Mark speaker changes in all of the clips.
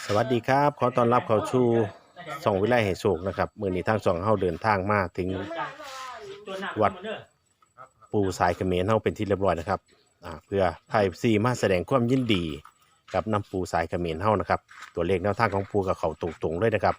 Speaker 1: วัสดีครับขอต้อนรับเข้าสู่ช่องวิไลให้โชคนะครับมื้อนี้ทางช่องเฮาเดินทางมาถึงวัดปู่สายเขมรเฮาเป็นที่เรียบร้อยนะครับเพื่อไทยซีมาแสดงความยินดีกับน้ำปู่สายเขมรเฮานะครับตัวเลขแนวทางของปู่กับเขาตรงๆเลยนะครับ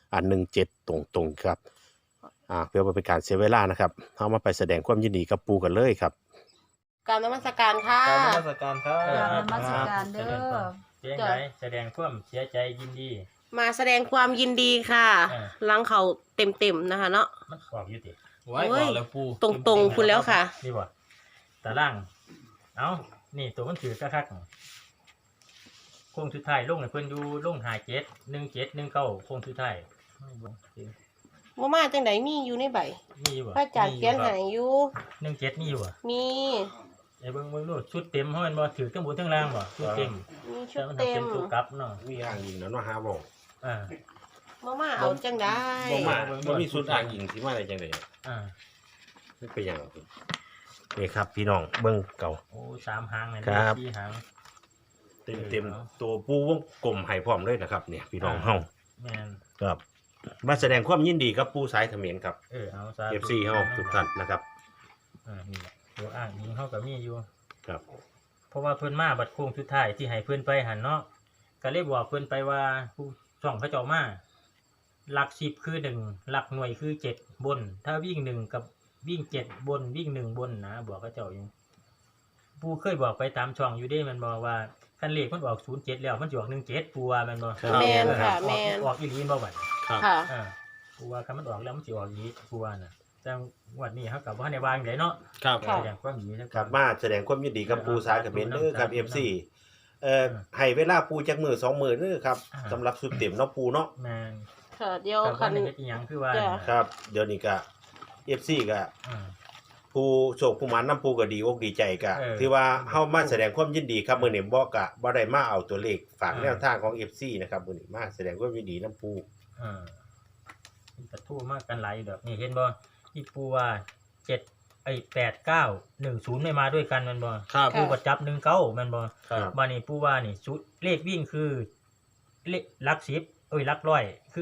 Speaker 1: 17ตรงๆครับเพื่อบ่เป็นการเสียเวลานะครับเฮามาไปแสดงความยินดีกับปู่กันเลยครับ
Speaker 2: กรารนมัสการค่ะ
Speaker 3: กรารนมัสการครับ
Speaker 4: กราบนมัสการเด้อ
Speaker 3: เจ๊งไรแสดงความเสียใจยินดี
Speaker 2: มาแสดงความยินดีค่ะ ลังเขาเต็มๆนะคะเนาะ
Speaker 3: มันออกอยู่ติ
Speaker 4: ไว้ก่อนแล้วปู
Speaker 2: ตรงๆคุณแล้วค่ะ
Speaker 3: นี่บ่ตาล่างเอ้านี่ตัวมันถือคักๆโค้งสุดท้ายลงให้เพิ่นอยู่ลง571719โค้งสุดท้าย
Speaker 2: บ่มาจังไดมีอยู่ในใบ
Speaker 3: มีอยู่บ่
Speaker 2: พระอาจารย์เขียนให้อยู่
Speaker 3: 17มีอยู่บ่
Speaker 2: มี
Speaker 3: ไอ้เบิ่งดูชุดเต็มเฮาแม่นบ่ถือทั้งบนทั้งล่างบ่ชุดเต็ม
Speaker 2: มีชุ
Speaker 3: แต่
Speaker 2: ด
Speaker 3: มัน
Speaker 2: เต็
Speaker 3: เป็
Speaker 2: ม
Speaker 3: นตัวกลับเนาะ
Speaker 1: มีอ่างยิงแล้วเนาะฮะบ่
Speaker 3: อ่า
Speaker 2: บ่มาเอาจังได้
Speaker 1: บ่มีสุดอ่างยิงสิมาได้จังได๋
Speaker 3: อ่า
Speaker 1: นี่เป็นหยังนี่ครับพี่น้องเบิ่งเก่า
Speaker 3: โอ้3หางเลย
Speaker 1: ครับ
Speaker 3: 4หาง
Speaker 1: เต็มตัวปูวงกลมให้พร้อมเลยนะครับเนี่ยพี่น้องเฮา
Speaker 3: แม่น
Speaker 1: ครับมาแสดงความยินดีกับปูสายเขมรครับ
Speaker 3: เอาซะ
Speaker 1: FC เฮาทุกท่านนะครับ
Speaker 3: นี่แหละตัวอ้างยิงเฮาก็มีอยู่
Speaker 1: ครับ
Speaker 3: เพราะว่าเพิ่นมาบัดโค้งสุดท้ายที่ให้เพิ่นไปหันเนาะก็เลยบอกเพิ่นไปว่าผู้ช่องเขาเจ้ามาหลัก10คือ1หลักหน่วยคือ7บนถ้าวิ่ง1กับวิ่ง7บนวิ่ง1บนนะบอกเขาเจ้าอยู่ผู้เคยบอกไปตามช่องอยู่เด้มันบอกว่าคันเลขมันออก07แล้วมันสิออก17ปูว่ามันบ่
Speaker 2: แม่นค่ะแม่น
Speaker 3: ออกอีหลีบ่บัด
Speaker 1: ครับ
Speaker 2: ค่ะ
Speaker 3: ปูว่าคันมันออกแล้วมันสิออกอีหลีปูว่าน่ะแต่งวดนี้เฮาก็บ่ทันได้วางไดเนาะ
Speaker 4: ครับ
Speaker 2: ค่ะ
Speaker 3: อย่างความดีนะ
Speaker 1: ครับมาแสดงความยินดีกับปูสายเขมรเด้อครับ FC ให้เวลาปูจักมื้อ2มื้อเด้อครับสำหรับสุดเต็มเนาะปูเนาะ
Speaker 3: แม่น
Speaker 2: ค่ะเดี๋ยว
Speaker 3: แต่
Speaker 2: คั
Speaker 3: ว่าน ได้เฮ็ดอีหยังคือว่า
Speaker 2: จ้ะ
Speaker 1: ครับเดี๋ยวนี้ก็ FC ก็
Speaker 3: อ่า
Speaker 1: ผู้โชคผู้หมานนำปูก็ดีอกดีใจก็
Speaker 3: เออ
Speaker 1: ที่ว่าเฮามาแสดงความยินดีครับมื้อนี้บ่ก็บ่ได้มาเอาตัวเลขฝาก
Speaker 3: อ่า
Speaker 1: แนวทางของ FC นะครับมื้อนี้มาแสดงความยินดีนำปู
Speaker 3: อ่าปะทูมากกันหลายดอกนี่เห็นบ่ที่ปูว่า8910ไม่มาด้วยกันแมันบ่
Speaker 4: ครับ
Speaker 3: ปูก็จับ19แมันบ่
Speaker 4: ครับ
Speaker 3: บัดนี้ปูว่านี่ชุดเลขวิ่งคือเลขหลัก10หลักร้อยคือ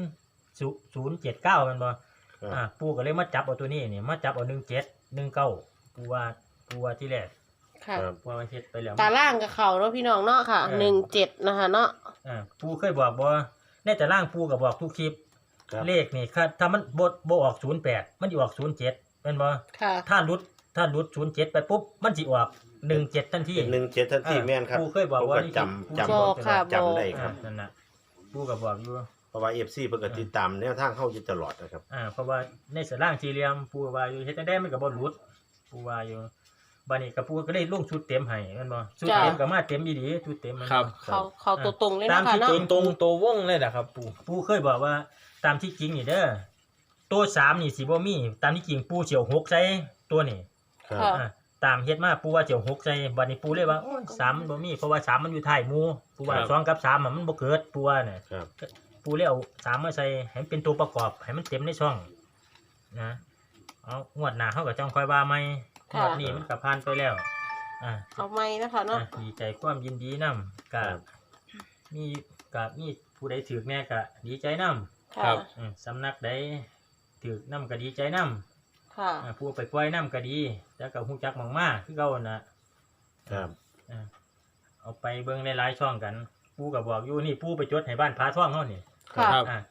Speaker 3: 079แมันบ่ปูก็เลยมาจับเอาตัวนี้นี่มาจับเอา1719ปูว่าที่แรก
Speaker 2: ค่ะ
Speaker 1: ครับ
Speaker 3: ปูว่าเฮ็ดไปแล้ว
Speaker 2: ตาล่างกับเขาเนาะพี่น้องเนาะค่ะ17นะคะเนาะ
Speaker 3: ปูเคยบอกบ่ในแต่ล่างปูก็บอกทุกคลิป
Speaker 1: ครับ
Speaker 3: เลขนี่ถ้ามันบ่ออก08มันสิออก07แม่นบ่
Speaker 2: ค่ะ
Speaker 3: ถ้าหลุด07ไปปุ๊บมันสิออก17ทันที
Speaker 1: เป็น17ทันทีแม่นครับ
Speaker 3: ปูเคยบอกว่านี่
Speaker 1: จำ
Speaker 2: บอกค่ะ
Speaker 1: จำได้ครับ
Speaker 3: นั่นน่ะปูก็บอกอยู่
Speaker 1: เพราะว่า FC เพิ่นก็ติดตามแนวทางเฮาอยู่ตลอดนะครับ
Speaker 3: เพราะว่าในสล่างสี่เหลี่ยมปูว่าอยู่เฮ็ดจังได๋มันก็บ่หลุดปูว่าอยู่บัดนี้ก็ปูก็ได้ลงชุดเต็มให้แม่นบ่ชุดเต็มก็มาเต็มอีหลีชุดเต็มแม่น
Speaker 4: ครับ
Speaker 2: เขาตัวตรงเลย
Speaker 3: ตาม
Speaker 2: นะคะ
Speaker 3: ที่
Speaker 2: เนาะ
Speaker 3: จริง
Speaker 4: ตรงตัววงเลยนะครับปู
Speaker 3: ปูเคยบอกว่าตามที่จริงนี่เด้อตัว3นี่สิบ่มีตามที่จริงปูสิเอา6ใส่ตัวนี่
Speaker 1: ครับ
Speaker 2: ค่ะ
Speaker 3: ตามเฮ็ดมาปูว่าสิเอา6ใส่บัดนี้ปูเลยว่าโอ้ย3มันบ่มีเพราะว่า3มันอยู่ท้ายหมู่ปูว่า2กับ3มันบ่เกิดปูว่าน่ะ
Speaker 1: ครับ
Speaker 3: ปูเลยเอา3มาใส่ให้มันเป็นตัวประกอบให้มันเต็มในช่องนะเอางวดหน้าเฮาก็จ้องคอยว่าใหม่ง
Speaker 2: ค่ะ
Speaker 3: วดนี้มันก็ผ่านไปแล้ว
Speaker 2: เอาไม้นะคะเนาะ
Speaker 3: ดีใจความยินดีนํก็มีผู้ใดถือแน่ก็ดีใจนํ
Speaker 2: ค่ะ
Speaker 3: สำนักใดถือนํก็ดีใจนํ
Speaker 2: ค่ะ
Speaker 3: ผู้ไปปล่อยนํก็ดีแต่ก็ฮู้จักหม่องมาคือเก่าน่ะ
Speaker 1: ครับ
Speaker 3: เอาไปเบิ่งในหลายช่องกันปูก็บอกอยู่นี่ปูไปจดให้บ้านพาท่องเฮานี่
Speaker 2: ค่ะ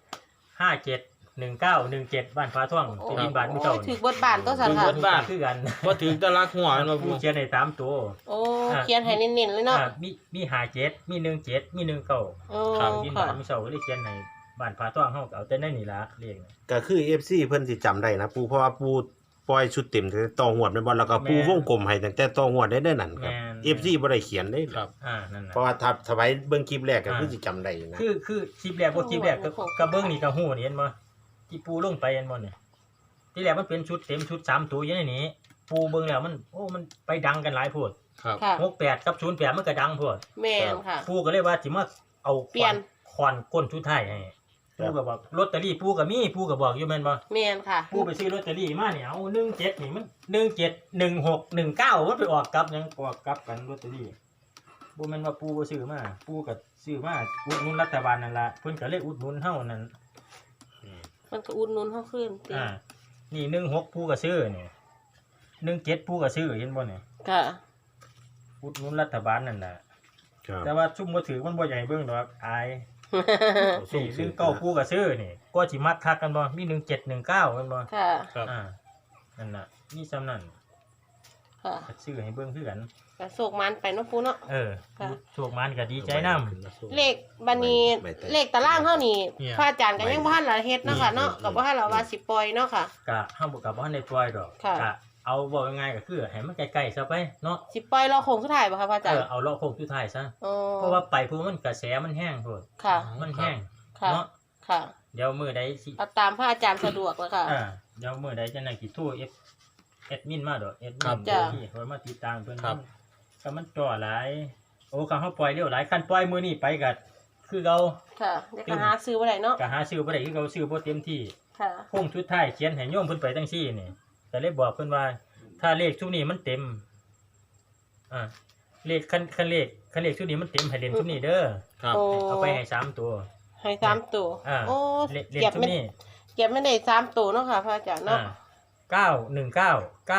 Speaker 3: 571917บ้านฟ้าท่องเป็นบินบาทมื้อเช้า
Speaker 2: โอ้ยถือบทบาทก็สันค่ะ
Speaker 3: คือกัน
Speaker 4: ว่าถึงตะลักหัวมาปู
Speaker 3: ผู้เขียนให้3ตัว
Speaker 2: โอ้เขียนให้เน้นๆเลยเนาะ
Speaker 3: มี57มี17มี19
Speaker 2: โอ้
Speaker 3: บิน
Speaker 2: ค่ะ
Speaker 3: บาทมื้อเช้าก็เลยเขียนให้บ้านฟ้าท่องเฮาก็เอาแต่ในนี่ล่ะเลข
Speaker 1: ก็คือ FC เพิ่นสิจำได้นะปูเพราะว่าปูปล่อยชุดเต็มตั้งแต่ต่อหวดแม่นบ่แล้วก็ปูวงกลมให้ตั้งแต่ต่อหวดได้นั่นครับ FC บ่ได้เขียนได้
Speaker 4: ครับ
Speaker 3: นั่นน่ะ
Speaker 1: เพราะว่าถ้าสมัยเบิ่งคลิปแรกก็คือสิจำได้นะ
Speaker 3: คือคลิปแรกบ่คลิปแรกก็เบิ่งนี่ก็ฮู้นี่เห็นบ่ที่ปูลงไปเห็นบ่นี่ที่แรกมันเป็นชุดเต็มชุด3ตัวอยู่ในนี้ปูเบิ่งแล้วมันไปดังกันหลายโพด
Speaker 4: ครับ
Speaker 2: ค่ะ
Speaker 3: 68กับ08มันก็ดังโพด
Speaker 2: แม่นค่ะ
Speaker 3: ปูก็เลยว่าสิมาเอา
Speaker 2: เปลี่ยน
Speaker 3: คอนก้นชุดไทายให้ปูก็บอกลอตเตอรี่ปูก็มีปูก็บอกอยู่แม่นบ่
Speaker 2: แม่นค่ะ
Speaker 3: ปูไปซื้อลอตเตอรี่มาเนี่ยเอา17นี่มัน17 16 19มันไปออกกลับหยังออกกลับกันลอตเตอรี่บ่แม่นว่าปูบ่ซื้อมาปูก็ซื้อมาอุดหนุนรัฐบาลนั่นล่ะเพิ่นก็เลยอุดหนุนเฮานั่น
Speaker 2: มันก็อุดหนุนเฮาขึ้นติ
Speaker 3: นี่16ปูก็ซื้อนี่17ปูก็ซื้อเห็นบ่นี่
Speaker 2: ค่ะ
Speaker 3: อุดหนุนรัฐบาลนั่นน่ะ
Speaker 1: ครับ
Speaker 3: แต่ว่าซุ่มบ่ถือมันบ่ใหญ่เบิ่งดอกอาย
Speaker 1: ซุ่ม
Speaker 3: นี่
Speaker 1: ถือ
Speaker 3: 19ปูก็ซื้อนี่ก็สิมักคักกันบ่มี1719แม่นบ่
Speaker 2: ค่ะ
Speaker 4: ครับ
Speaker 3: นั่นน่ะมีซ้ำนั่น
Speaker 2: ค่ะ
Speaker 3: ก็ซื้อให้เบิ่งคือกัน
Speaker 2: ก็โศกมันไปเนาะปูเนาะ
Speaker 3: ปูโชคมันก็ดีใจนำ
Speaker 2: เลขบัดนี้เลขตารางเฮานี่พระอาจารย์ก็ยังบ่ทันละเฮ็ดเนาะค่ะเนาะก็บ่ทันละว่าสิปล่อยเนาะค่ะ
Speaker 3: ก็เฮาบ่ก็บ่ทันได้ปล่อยดอก
Speaker 2: ค่ะ
Speaker 3: ก็เอาบอกง่ายๆก็คือให้มันใกล้ๆซะไปเนาะ
Speaker 2: สิปล่อยรอโค้งสุดท้ายบ่คะพระอาจารย์
Speaker 3: เอาเลาะโค้งสุดท้ายซะ
Speaker 2: อ๋อ
Speaker 3: เพราะว่าไปผู้มันกระแสมันแห้งโพด
Speaker 2: ค่ะ
Speaker 3: มันแห้ง
Speaker 2: ค่ะ
Speaker 3: เนาะ
Speaker 2: ค่ะ
Speaker 3: เดี๋ยวมื้อใดสิ
Speaker 2: เอาตามพระอาจารย์สะดวกแล้วค่ะ
Speaker 3: เดี๋ยวมื้อใดจะนั่นสิโทรแอดมินมาดอกแอดมิ
Speaker 4: ครับ
Speaker 3: น
Speaker 2: จ้ะ
Speaker 3: ที่เพิ่นมาติดตามเพิ่น
Speaker 4: ครับ
Speaker 3: ก็มันจ่อหลายโอ้คันเฮาปล่อยเร็วหลายคันปล่อยมื้อนี้ไปก็คือเก่า
Speaker 2: ค่ะเดี๋ยวก็หาซื้อบ่ได้เนาะ
Speaker 3: ก็หาซื้อบ่ได้คือเก่าซื้อบ่เต็มที่
Speaker 2: ค่ะ
Speaker 3: โค้งสุดท้ายเขียนให้โยมเพิ่นไปจังซี่นี่ก็เลยบอกเพิ่นว่า ถ้าเลขชุดนี้มันเต็มเลขคันเลขชุดนี้มันเต็มให้เล่นชุดนี้เด้อ
Speaker 4: ครับ
Speaker 2: โอ้
Speaker 3: เอาไปให้3ตัว
Speaker 2: ให้3ตัว โอ้
Speaker 3: เล่น
Speaker 2: เก็บ
Speaker 3: ชุด
Speaker 2: ไม่
Speaker 3: นี้
Speaker 2: เก็บไม่ได้3ตัวเนาะค่ะพระอาจารย์เนาะ
Speaker 3: 919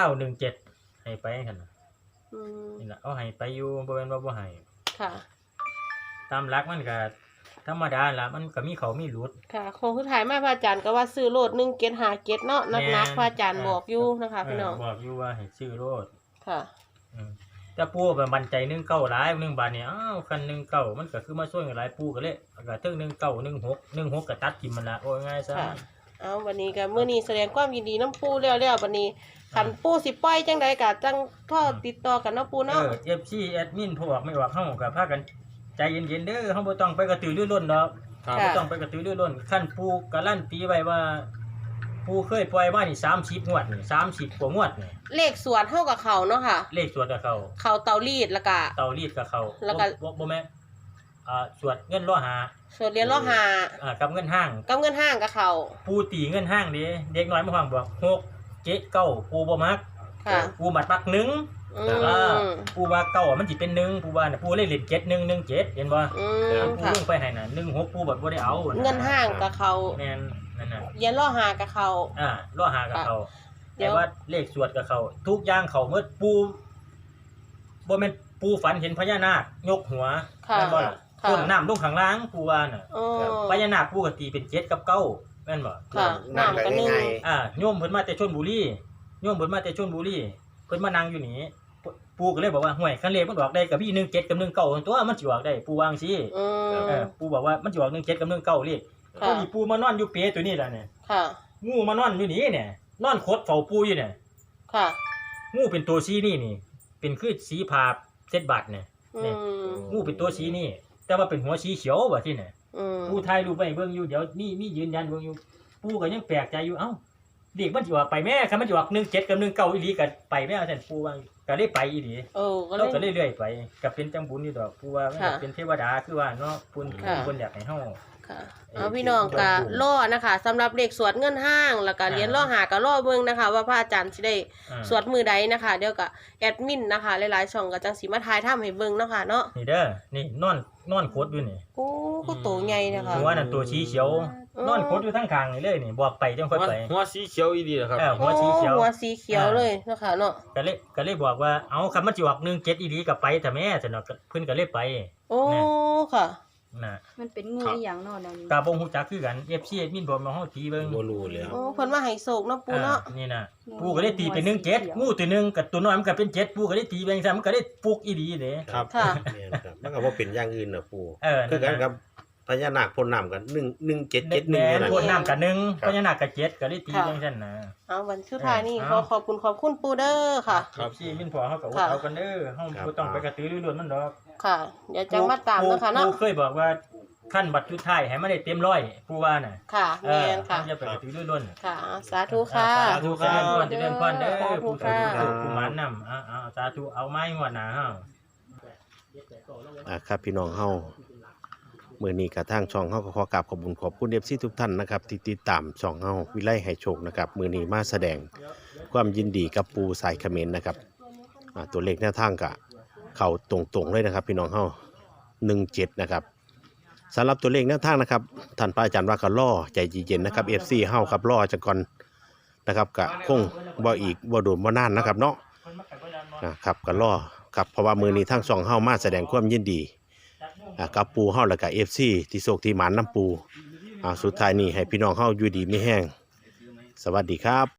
Speaker 3: 917ให้ไปคั่นน่ะ
Speaker 2: อืม
Speaker 3: นี่ล่ะเอาให้ไปอยู่บ่แม่นว่าบ่ให้
Speaker 2: ค่ะ
Speaker 3: ตามหลักมันก็ธรรมดาล่ะมันก็มีเขามีหลุด
Speaker 2: ค่ะโค้งสุดท้ายมาพระอาจารย์ก็ว่าซื้อโลด1 7 5 7เนาะนักๆพระอาจารย์บอกอยู่นะคะพี่น้อง
Speaker 3: บอกอยู่ว่าให้ซื้อโลด
Speaker 2: ค่ะ
Speaker 3: แต่ปู่ก็มั่นใจ19หลาย1บาทนี่อ้าวคัน19มันก็คือมาช่วยหลายปู่ก็เลยก็ถึง19 16ก็ตัดทิ่มมันละโอ้ยง่ายซะ
Speaker 2: ค่ะ เอาวันนี้ก็มื้อนี้แสดงความยินดีน้ำปูแล้ววันนี้คันปูสิปล่อยจังใดก็จังโทรติดต่อกันเนาะปูเนาะ
Speaker 3: FC แอดมินพวกไม่ออกเฮาก็พากันใจเย็นๆเด้อเฮาบ่ต้องไปกระตือรือร้นดอก
Speaker 4: ครับ
Speaker 3: บ่ต้องไปกระตือรือร้นคั่นปู่การันตีไว้ว่าปู่เคยปล่อยมานี่30งวดนี่30กว่างวดนี่
Speaker 2: เลขสวนเฮากับเขาเนาะค่ะ
Speaker 3: เลขสวดกับเขา
Speaker 2: เขาเตารีดแล้วก็
Speaker 3: เตารีดกับเขา
Speaker 2: แล้วก็
Speaker 3: บ่แม่นสวดเงินล้อหา
Speaker 2: ส่วนเรียนล้อหา
Speaker 3: กับเงินห้าง
Speaker 2: กับเงินห้างกับเขา
Speaker 3: ปู่ตีเงินห้างเด้เด็กน้อยมาฟังบอก6 7 9ปู่บ่มัก
Speaker 2: ค่ะ
Speaker 3: ปู่มัก1
Speaker 2: อืม
Speaker 3: ปู่ว่าเก้ามันสิเป็น1ปู่ว่าน่ะปู่เลยเล่น7 1 1 7เห็นบ่
Speaker 2: อืม
Speaker 3: ปู่
Speaker 2: ค่ะ
Speaker 3: ลงไปให้น่ะ16ปู่บ่ได้เอา
Speaker 2: เงินห้างกับเขา
Speaker 3: แม่นนั่นน่ะ
Speaker 2: เรียนล้อหากับเขา
Speaker 3: ล้อหากับเขา
Speaker 2: เดี๋
Speaker 3: แต่
Speaker 2: ยว
Speaker 3: ว่าเลขสวดกับเขาทุกอย่างเขาเมื่อปู่บ่แม่นปู่ฝันเห็นพญานาคยกหัว
Speaker 2: ค่ะ
Speaker 3: แม่นบ่ล่ะ
Speaker 2: ค่ะ
Speaker 3: ต้นน้ำลงข้างล่างปู่ว่าน่ะ
Speaker 2: โอ้
Speaker 3: พญานาคปู่ก็ตีเป็น7กับ9แม่นบ่
Speaker 2: ค่ะน้ำก็นึ่ง
Speaker 3: โยมเพิ่นมาแต่ชลบุรีโยมเพิ่นมาแต่ชลบุรีเพิ่นมานั่งอยู่นี่ปู่ก็เลยบอกว่าห่วยคันเลขมันออกได้กับพี่17กับ19ตัวมันสิออกได้ปู่วาจั่งซี่
Speaker 2: อืม
Speaker 3: ปู่บอกว่ามันสิออก17กับ19เลข
Speaker 2: ค่ะ
Speaker 3: พอดีปู่มานอนอยู่เปตัวนี้ล่ะเนี่ย
Speaker 2: ค่ะ
Speaker 3: งูมานอนอยู่นี่เนี่ยนอนคดเฝ้าปู่อยู่เนี่ย
Speaker 2: ค่ะ
Speaker 3: งูเป็นตัวสีนี่เป็นคือสีผาเส้นบาดเนี่ย
Speaker 2: อืม
Speaker 3: งูเป็นตัวสีนี่แต่ว่าเป็นหัวสีเขียวว่าที่เนี่ย
Speaker 2: อืม
Speaker 3: ปู่ถ่ายรูปไว้เบิ่งอยู่เดี๋ยวมียืนยันเบิ่งอยู่ปู่ก็ยังแปลกใจอยู่เอ้าเด็กมันสิว่าไปแม่คันมันสิว่า17กับ19อีหลีก็ไปแม่ว่าซั่นปู่ว่าก็เลยไปอีหลี
Speaker 2: โอ้ก็เล
Speaker 3: เรา
Speaker 2: ย
Speaker 3: ก็เรื่อยๆไปก็เป็นจังบุญอยู่ดอกปู่ว่ามัน
Speaker 2: ค่ะ
Speaker 3: เป็นเทวดาคือว่าเนาะเพิ่น
Speaker 2: ค่ะ
Speaker 3: เพิ่นอยากให้เฮา
Speaker 2: ค่ะเอาพี่น้องก็ล่อนะคะสำหรับเลขสวดเงินห้างแล้วก็เหรียญล่อหาก็ล่อเบิ่งนะคะ ว่าพระอาจารย์สิได้ สวดมือใดนะคะ เดี๋ยวก็แอดมินนะคะหลายๆช่องก็จังสิมาทายทำให้เบิ่งเนาะค่ะเนาะ
Speaker 3: นี่เด้อนี่นอนคดอยู่นี่
Speaker 2: โอ้ก็โตใหญ่นะคะ
Speaker 3: หัวนั่นตัวสีเขียว นอนคดอยู่ทั้งข้างนี่เลยนี่บอกไปจังค่อยไป
Speaker 4: หัวสีเขียวอีดีเหรอครับ
Speaker 3: หัวสีเขียว
Speaker 2: หัวสีเขียวเลยเนาะค่ะเนาะ
Speaker 3: ก็เลยบอกว่าเอาคำมันสิออก17อีหลีก็ไปแต่แม่แต่เนาะเพิ่นก็เลยไป
Speaker 2: โอ้ค่ะ
Speaker 3: น่ะ
Speaker 5: มันเป็นงูอหย่างเนอนนั่น
Speaker 3: กาบ่ฮู้จักคือกัน FC มินบอกมาเฮาตีเบิ่ง
Speaker 1: บ่รู้แล้ว
Speaker 2: โอ้เพิ่นมาให้โศกเนาะปูเนาะ
Speaker 3: นี่น่ะปูก็เลยตีเป็น17งูตัวหนึงกับตัวน้อยมันก็เป็น7ปูก็เลยตีไปจังซั่นมันก็เลยปลุกอีหลีเด้
Speaker 1: ครับ
Speaker 2: ค่ะ
Speaker 1: แม่นครับมันก็บ่เป็นอย่างอื่นน่ะปู่
Speaker 3: นั่
Speaker 1: คือกัน
Speaker 3: น
Speaker 1: กั
Speaker 3: น่ะ
Speaker 1: บพญานาคพ่นน้ำกัน1771
Speaker 3: แม่
Speaker 1: นั่
Speaker 3: น
Speaker 1: น
Speaker 3: โทษน้ำกับ1
Speaker 1: ครับ
Speaker 3: พญานาคกับ7ก็เลยตีจังซั่นน่ะ
Speaker 2: เอาวันสุดท้ายนี่
Speaker 3: เอา
Speaker 2: ขอบคุณปูเด้อค่ะ
Speaker 3: ครับที่มินพอเฮาก็อด
Speaker 2: ค่ะ
Speaker 3: เอากันเด้อเฮาบ่ต้องไปกระตือรือร้นมันดอก
Speaker 2: ค่ะ เดี๋ยวจังมาตามเนาะค่ะเนาะ
Speaker 3: ปูเคยบอกว่าขั้นบัตรสุดท้ายให้มันได้เต็มร้อยปูว่าน่ะ
Speaker 2: ค่ะแม่นค่ะ
Speaker 3: อย่าไปกระตือรือร้น
Speaker 2: ค่ะ สาธุค่ะ
Speaker 3: สาธุครับเจริญพรเด้อ
Speaker 2: สาธุ
Speaker 3: ผู้
Speaker 2: ค่ะ
Speaker 3: สาธุผู้หมานนำสาธุเอาไม้หัวหน้าเฮา
Speaker 1: ครับพี่น้องเฮามื้อนี้ก็ทางช่องเฮาก็ขอกราบขอบคุณ FC ทุกท่านนะครับที่ติดตามช่องเฮาวิไลให้โชคนะครับมื้อนี้มาแสดงความยินดีกับปูสายเขมรนะครับตัวเลขแนวทางก็เข้าตรงๆเลยนะครับพี่น้องเฮา17นะครับสำหรับตัวเลขแนวทางนะครับท่านพระอาจารย์ว่าก็รอใจเย็นๆนะครับ FC เฮาครับรอจักก่อนนะครับก็คงบ่อีกบ่โดนบ่นานนะครับเนาะนะครับก็รอครับเพราะว่ามื้อนี้ทางช่องเฮามาแสดงความยินดีกับปูเฮาแล้วก็ FC ที่โชคที่หมานน้ำปูสุดท้ายนี้ให้พี่น้องเฮาอยู่ดีมีแห้งสวัสดีครับ